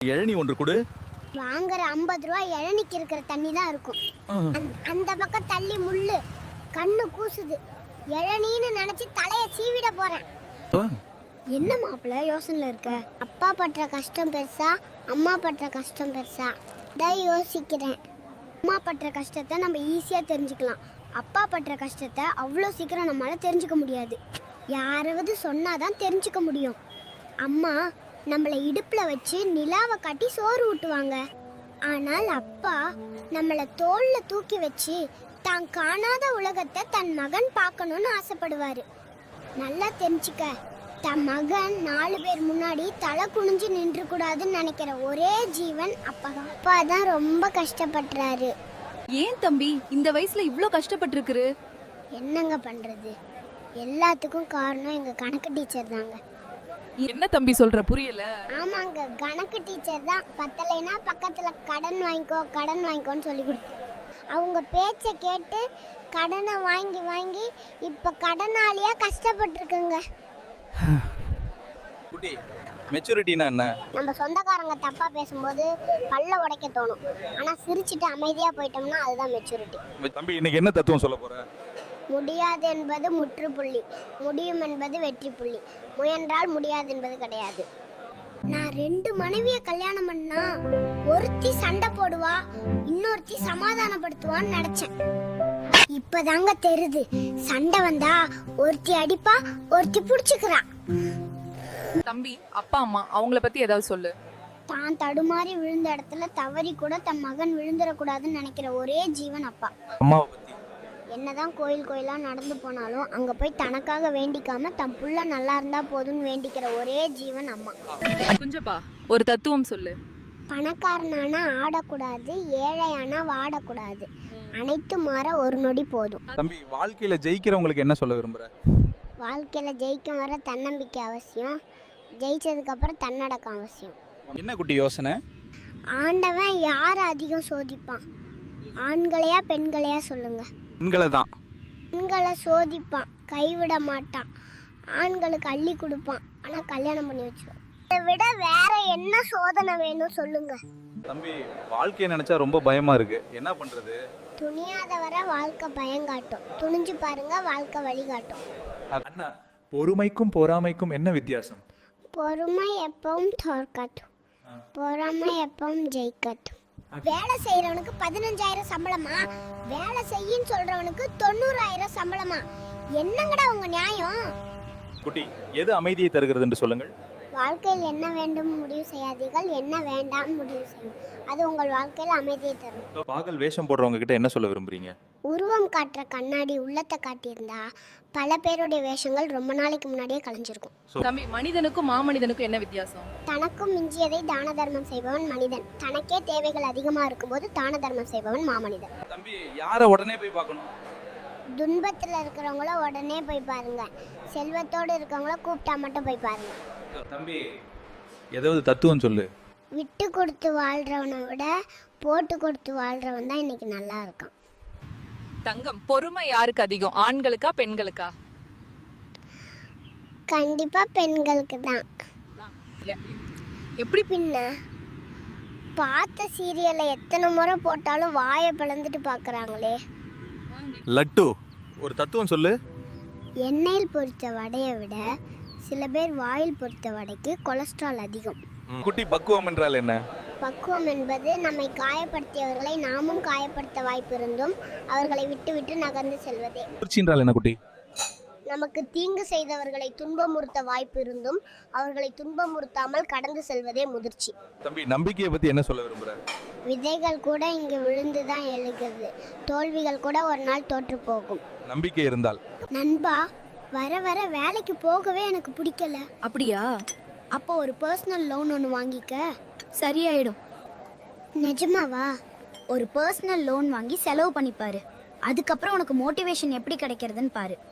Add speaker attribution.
Speaker 1: இளநீ ஒன்று கொடு.
Speaker 2: வாங்குற 50 ரூபாய் இளநிக்கு இருக்கிற தண்ணி தான் இருக்கும். அந்த பக்கம் தள்ளி முள்ளு கண்ணு கூசுது. இளநீன்னு நினைச்சு தலைய சீவிட போறேன். என்ன மாப்பிள்ள யோசனைல இருக்க? அப்பா படுற கஷ்டம் பெருசா, அம்மா படுற கஷ்டம் பெருசா? தான் யோசிக்கிறேன். அம்மா படுற கஷ்டத்தை நம்ம ஈஸியா தெரிஞ்சுக்கலாம். அப்பா படுற கஷ்டத்தை அவ்வளோ சீக்கிரம் நம்மளால தெரிஞ்சுக்க முடியாது. யாராவது சொன்னாதான் தெரிஞ்சுக்க முடியும். அம்மா நம்மளை இடுப்புல வச்சு நிலாவை காட்டி சோறு ஊட்டுவாங்க. ஆனால் அப்பா நம்மளை தோல்ல தூக்கி வச்சு தான் காணாத உலகத்தை தன் மகன் பார்க்கணும்னு ஆசைப்படுவாரு. நல்லா தெரிஞ்சுக்க, தன் மகன் 4 பேர் முன்னாடி தலை குனிஞ்சு நின்று கூடாதுன்னு நினைக்கிற ஒரே ஜீவன் அப்பா. அப்பா தான் ரொம்ப கஷ்டப்படுறாரு.
Speaker 3: ஏன் தம்பி இந்த வயசுல இவ்ளோ கஷ்டப்பட்டிருக்குரு?
Speaker 2: என்னங்க பண்றது, எல்லாத்துக்கும் காரணம் எங்க கணக்கு டீச்சர் தாங்க.
Speaker 3: என்ன தம்பி சொல்ற, புரியல.
Speaker 2: ஆமாங்க, கணக்கு டீச்சர் தான். பத்தலைனா பக்கத்துல கடன் வாங்கிக்கோன்னு சொல்லி கொடுத்து அவங்க பேச்சை கேட்டு கடனை வாங்கி வாங்கி இப்ப கடனாளியா கஷ்டப்பட்டுருக்குங்க.
Speaker 1: குட்டி, மெச்சூரிட்டினா என்ன?
Speaker 2: நம்ம சொந்தக்காரங்க தப்பா பேசும்போது பல்ல உடைக்க தோணும். ஆனா சிரிச்சிட்டு அமைதியா போயிட்டோம்னா அதுதான் மெச்சூரிட்டி.
Speaker 1: தம்பி, இன்னைக்கு என்ன தத்துவம் சொல்ல போற?
Speaker 2: முடியாது என்பது முற்றுப்புள்ளி, முடியும் என்பது வெற்றி புள்ளி. முயன்றால் முடியாது என்பது கிடையாது. நான் 2 மனைவிய கல்யாணம் பண்ணா ஒருத்தி சண்டை போடுவா, இன்னொருத்தி சமாதானப்படுத்துவான்னு நினைச்சேன். இப்பதாங்க தெரியுது, சண்டை வந்தா ஒருத்தி அடிப்பா, ஒருத்தி புடிச்சுக்கிறா.
Speaker 3: தம்பி, அப்பா அம்மா அவங்கள பத்தி ஏதாவது சொல்லு.
Speaker 2: தான் தடுமாறி விழுந்த இடத்துல தவறி கூட தன் மகன் விழுந்துடக்கூடாதுன்னு நினைக்கிற ஒரே ஜீவன் அப்பா.
Speaker 1: அம்மாவை பத்தி
Speaker 2: என்னதான் கோயிலா நடந்து போனாலும் அங்க போய் தனக்காக வேண்டிக்காம தன் புள்ள நல்லா இருந்தா போதும்னு வேண்டிக்கிற ஒரே ஜீவன் அம்மா.
Speaker 3: குஞ்சப்பா, ஒரு தத்துவம் சொல்லு.
Speaker 2: பணக்காரனானா ஆடக்கூடாது, ஏழையானா வாடக்கூடாது, அனைத்து மாற ஒரு நொடி போதும்.
Speaker 1: தம்பி, வாழ்க்கையில ஜெயிக்கிறவங்களுக்கு என்ன சொல்ல விரும்புற?
Speaker 2: வாழ்க்கையில ஜெயிக்கும் வர தன்னம்பிக்கை அவசியம், ஜெயிச்சதுக்கு அப்புறம் தன்னடக்கம் அவசியம்.
Speaker 1: என்ன குட்டி யோசனை?
Speaker 2: ஆண்டவன் யாரை அதிகம் சோதிப்பான், ஆண்களையா பெண்களையா சொல்லுங்க?
Speaker 1: பெண்களை தான்.
Speaker 2: பெண்களை சோதிப்பான், கைவிட மாட்டான். ஆண்களுக்கு அள்ளி கொடுப்பான், ஆனா கல்யாணம் பண்ணி வச்சிருவான். இதை விட வேற என்ன சோதனை வேணும் சொல்லுங்க?
Speaker 1: தம்பி, வாழ்க்கையை நினைச்சா ரொம்ப பயமா இருக்கு, என்ன பண்றது?
Speaker 2: துணியாத வர வாழ்க்கை பயங்காட்டும், துணிஞ்சு பாருங்க வாழ்க்கை வழிகாட்டும்.
Speaker 1: அண்ணா, பொறுமைக்கும் பொறாமைக்கும் என்ன வித்தியாசம்?
Speaker 2: பொறுமை எப்பவும் தோற்கட்டும், பொறாமை எப்பவும் ஜெயிக்கட்டும். வேலை செய்யறவனுக்கு 15,000 சம்பளமா, வேலை செய்யின்னு சொல்றவனுக்கு 90,000 சம்பளமா? என்னங்கடா உங்க நியாயம்?
Speaker 1: குட்டி, எது அமைதியை தருகிறது என்று சொல்லுங்கள்.
Speaker 2: வாழ்க்கையில் என்ன வேண்டும் முடிவு செய்யாதீர்கள், என்ன வேண்டாம் முடிவு செய்யும். அது உங்கள் வாழ்க்கையில் அமைதியை தரும்.
Speaker 1: பாகல் வேஷம் போடுறவங்க கிட்ட என்ன சொல்ல விரும்புறீங்க?
Speaker 2: உருவம் காட்டுற கண்ணாடி உள்ளத்தை காட்டியிருந்தா பல பேருடைய வேஷங்கள் ரொம்ப நாளைக்கு முன்னாடியே கலைஞ்சிருக்கும்.
Speaker 3: தம்பி, மனிதனுக்கும் மாமனிதனுக்கும் என்ன வித்தியாசம்?
Speaker 2: தனக்கும் மிஞ்சியதை தான தர்மம் செய்பவன் மனிதன், தனக்கே தேவைகள் அதிகமா இருக்கும்போது தான தர்மம் செய்பவன் மாமனிதன்.
Speaker 1: தம்பி, யாரை உடனே போய் பார்க்கணும்?
Speaker 2: துன்பத்துல இருக்கிறவங்கள உடனே போய் பாருங்க, செல்வத்தோடு இருக்கவங்கள கூப்பிட்டா மட்டும் போய் பாருங்க.
Speaker 1: தம்பி, ஏதாவது தத்துவம் சொல்லு.
Speaker 2: விட்டு கொடுத்து வாழ்றவனை விட போட்டு கொடுத்து வாழ்றவன் தான் இன்னைக்கு நல்லா இருக்கான்.
Speaker 3: தங்கம், பொறுமை யாருக்கு அதிகம், ஆண்களுக்கா பெண்களுக்கா?
Speaker 2: கண்டிப்பா பெண்களுக்கு தான்.
Speaker 3: எப்படி?
Speaker 2: பின்ன பார்த்த சீரியலை எத்தனை முறை போட்டாலும் வாயை பிளந்துட்டு பார்க்கறாங்களே.
Speaker 1: லட்டு, ஒரு தத்துவம் சொல்லு.
Speaker 2: எண்ணெயில் பொரித்த வடையை விட சில பேர் வாயில் பொரித்த வடைக்கு கொலஸ்ட்ரால் அதிகம்.
Speaker 1: குட்டி, பக்குவம் என்றால் என்ன?
Speaker 2: பக்குவம் என்பது நம்மை காயப்படுத்தியவர்களை நாமும் காயப்படுத்த வாய்ப்பு இருந்தும் அவர்களை விட்டு விட்டு நகர்ந்து செல்வதே.
Speaker 1: முதிர்ச்சி என்றால் என்ன குட்டி?
Speaker 2: நமக்கு தீங்கு செய்தவர்களை துன்பமுறுத்த வாய்ப்பு இருந்தும் அவர்களை துன்பமுறுத்தாமல் கடந்து செல்வதே முதிர்ச்சி.
Speaker 1: தம்பி, நம்பிக்கையை பத்தி என்ன சொல்ல விரும்புற?
Speaker 2: விதைகள் கூட இங்கு விழுந்துதான் எழுகிறது, தோல்விகள் கூட ஒரு நாள் தோற்று போகும்.
Speaker 1: நம்பிக்கை இருந்தால்.
Speaker 2: நண்பா, வர வர வேலைக்கு போகவே எனக்கு பிடிக்கல.
Speaker 3: அப்படியா?
Speaker 2: அப்போ ஒரு பர்சனல் லோன் ஒன்று வாங்கிக்க,
Speaker 4: சரியாயிடும்.
Speaker 2: நிஜமாவா?
Speaker 4: ஒரு பர்சனல் லோன் வாங்கி செலவு பண்ணிப்பாரு, அதுக்கப்புறம் உனக்கு மோட்டிவேஷன் எப்படி கிடைக்கிறதுன்னு பாரு.